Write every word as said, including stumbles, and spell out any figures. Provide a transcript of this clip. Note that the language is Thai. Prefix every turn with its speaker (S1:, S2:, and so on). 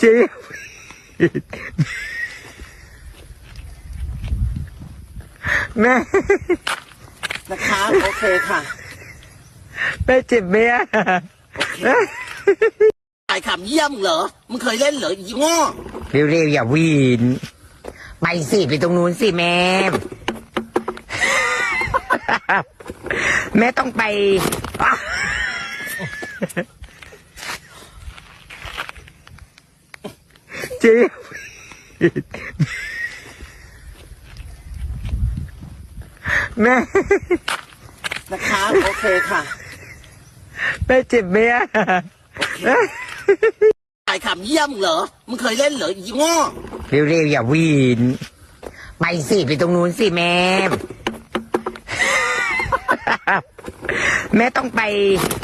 S1: เจ๊แม่
S2: นะคะโอเคค่ะ
S1: แม่เจ็บไหมอ่ะ
S2: ถ่ายขำเยี่ยมเหรอมึงเคยเล่นเหรออีโง่
S1: เร็วๆอย่าวีนไปสิไปตรงนู้นสิแม่แม่ต้องไปเจ๊แม่
S2: นะคะโอเคค่ะ
S1: แม่เจ็บไหมอ่ะ
S2: ถ่ายขำเยี่ยมเหรอมึงเคยเล่นเหรออีโง่
S1: เร็วๆอย่าวีนไปสิไปตรงนู้นสิแม่แม่ต้องไป